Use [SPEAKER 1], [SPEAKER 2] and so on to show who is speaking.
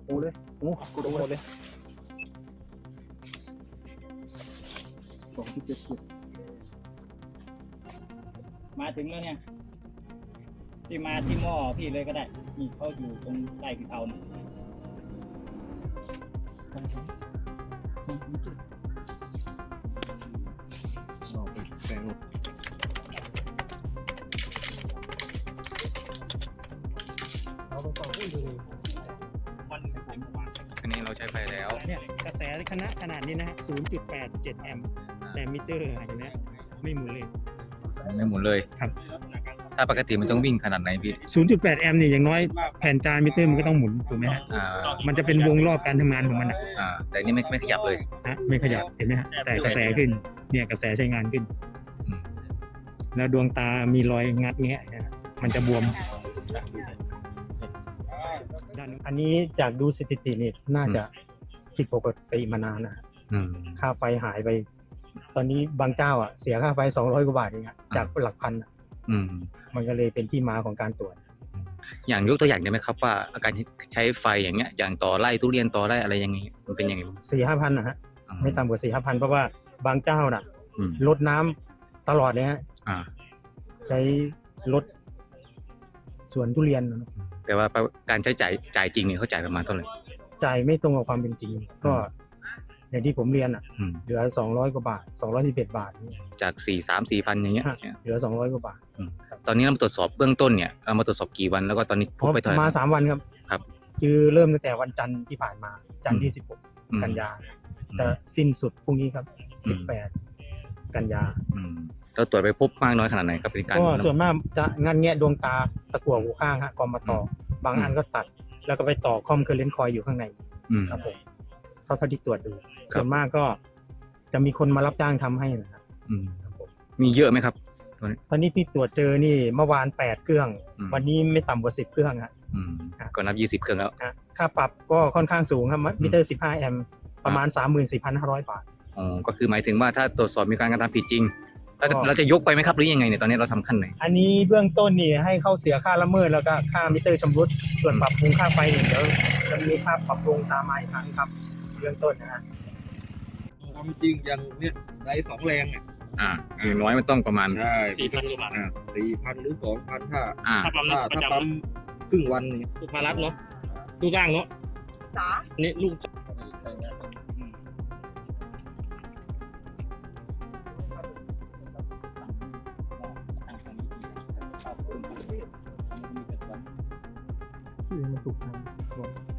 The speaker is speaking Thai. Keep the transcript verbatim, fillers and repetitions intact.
[SPEAKER 1] โอ้เลยโอ้กดโอ้เลยสองที่เจ็ดสิบมาถึงแล้วเนี่ยที่มาที่หม้อพี่เลยก็ได้นี่เขาอยู่ตรงใต้พี่เตาเนี่ยสองสองสองเจ็ดเราไปแปลงเราไปต่อที่เลยมันใช้เมื่อวาน
[SPEAKER 2] อันนี้เราใช้ไฟแล้ว
[SPEAKER 3] เนี่ยกระแสขนาดขนาดนี้นะฮะ ศูนย์จุดแปดเจ็ด แอมป์แต่มิเตอร์เห็นไหมไม่หมุนเลย
[SPEAKER 2] ไม่หมุนเลย
[SPEAKER 3] ครับ
[SPEAKER 2] ถ้าปกติมันต้องวิ่งขนาดไหนพี่
[SPEAKER 3] ศูนย์จุดแปด แอมป์เนี่ยอย่างน้อยแผ่นจานมิเตอร์มันก็ต้องหมุนถูกไหมฮะ
[SPEAKER 2] อ่า
[SPEAKER 3] มันจะเป็นวงรอบการทำงานของมันนะ
[SPEAKER 2] อ่า แต่อันนี่ไม่ไม่ขยับเลย
[SPEAKER 3] นะไม่ขยับเห็นไหมฮะแต่กระแสขึ้นเนี่ยกระแสใช้งานขึ้น
[SPEAKER 2] อืม
[SPEAKER 3] แล้วดวงตามีรอยงัดเงี้ยนะมันจะบวมอันนี้จากดูสถิตินี่น่าจะผิดปกติมานานนะ
[SPEAKER 2] อืม
[SPEAKER 3] ค่าไฟหายไป ตอนนี้บางเจ้าอ่ะเสียค่าไฟสองร้อยกว่าบาทเองอะจากหลักพันอะ
[SPEAKER 2] อืม
[SPEAKER 3] มันก็เลยเป็นที่มาของการตรวจ
[SPEAKER 2] อย่างยกตัวอย่างได้ไหมครับว่าอาการใช้ไฟอย่างเงี้ย อย่างต่อไร่ทุเรียนต่อไร่อะไรอย่างงี้มันเป็นยังไงบ้าง
[SPEAKER 3] สี่ห้าพันนะฮะไม่ต่ำกว่าสี่ห้าพันเพราะว่าบางเจ้าน่ะ
[SPEAKER 2] อืม
[SPEAKER 3] ลดน้ำตลอดเลยฮะ
[SPEAKER 2] อ่า
[SPEAKER 3] ใช้ลดสวนทุเรียนนะ
[SPEAKER 2] แต่ว่าการใช้จ่ายจ่ายจริงเนี่ยเขาจ่ายประมาณเท่าไหร่
[SPEAKER 3] จ่ายไม่ตรงกับความเป็นจริง ก็อย่างที่ผมเรียนอ่ะ
[SPEAKER 2] อืม
[SPEAKER 3] เหลือสองร้อยกว่าบาทสองร้อยสิบเอ็ดบาทนี่
[SPEAKER 2] จากสี่สามสี่พันอย่างเงี้ย
[SPEAKER 3] ฮะเหลือสองร้อยกว่าบาท
[SPEAKER 2] ตอนนี้เรามาตรวจสอบเบื้องต้นเนี่ยเรามาตรวจสอบกี่วันแล้วก็ตอนนี้พบไปเท่าไหร่
[SPEAKER 3] มาสามวันครับ
[SPEAKER 2] ครับ
[SPEAKER 3] คือเริ่มตั้งแต่วันจันทร์ที่ผ่านมาจันทร์ที่สิบหก
[SPEAKER 2] อืม
[SPEAKER 3] กันยาจะสิ้นสุดพรุ่งนี้ครับสิบแปดกันยา
[SPEAKER 2] อืมเราตรวจไปพบมากน้อยขนาดไหนครับเป็นการ
[SPEAKER 3] ก็ส่วนมากจะงันแงะดวงตาตะกั่วหูข้างฮะกอมมาต่ออบางอันก็ตัด แล้วก็ไปต่อคอมเคอร์เรนต์คอยอยู่ข้างใน
[SPEAKER 2] อืม
[SPEAKER 3] ครับผมเท่าเท่าที่ตรวจดู ส่วนมากก็จะมีคนมารับจ้างทำให้นะครับ
[SPEAKER 2] อืม
[SPEAKER 3] ครับผม
[SPEAKER 2] มีเยอะไหมครับ
[SPEAKER 3] ตอนนี้ที่ตรวจเจอนี่เมื่อวานแปดเครื่อง
[SPEAKER 2] อืม
[SPEAKER 3] วันนี้ไม่ต่ำกว่าสิบเครื่องฮะ
[SPEAKER 2] อืม
[SPEAKER 3] ครับ
[SPEAKER 2] ก็นับยี่สิบเครื่องแล้ว
[SPEAKER 3] ฮะค่าปรับก็ค่อนข้างสูงครับมิเตอร์สิบห้าแอมป์ประมาณ สามหมื่นสี่พันห้าร้อย บาท
[SPEAKER 2] อ๋อก็คือหมายถึงว่าถ้าตรวจสอบมีการกระทำผิดจริงเราจะ
[SPEAKER 3] ก็
[SPEAKER 2] เราจะยกไปไหมครับหรือยังไงเนี่ยตอนนี้เราทำขั้นไหน
[SPEAKER 3] อันนี้เบื้องต้นนี่ให้เข้าเสียค่าละเมิดแล้วก็ค่ามิเตอร์ชำรุดส่วนปรับปรุงค่าไฟเนี่ยเดี๋ยวจะมีค่าปรับปรุงตามมาอีกครั้งครับเบื้องต้นนะฮะ
[SPEAKER 1] ทำจริงอย่างเนี้ยได้สองแรงเนี่ย
[SPEAKER 2] อ่าอย่างน้อยมันต้องประมาณ
[SPEAKER 1] ใช่
[SPEAKER 3] สี่พันกว่าบาท
[SPEAKER 2] อ่า
[SPEAKER 1] สี่พันหรือสองพันถ้า
[SPEAKER 2] อ่า
[SPEAKER 3] ถ้าปั๊ม
[SPEAKER 1] ถ้า
[SPEAKER 3] ประ
[SPEAKER 1] ถ้า
[SPEAKER 3] จำ
[SPEAKER 1] ปั๊มครึ่งวันนี่
[SPEAKER 3] ลูกมารับเนาะลูกร่างเนาะ
[SPEAKER 4] จ๋า
[SPEAKER 3] นี่ลูก ที่มันถูกทาง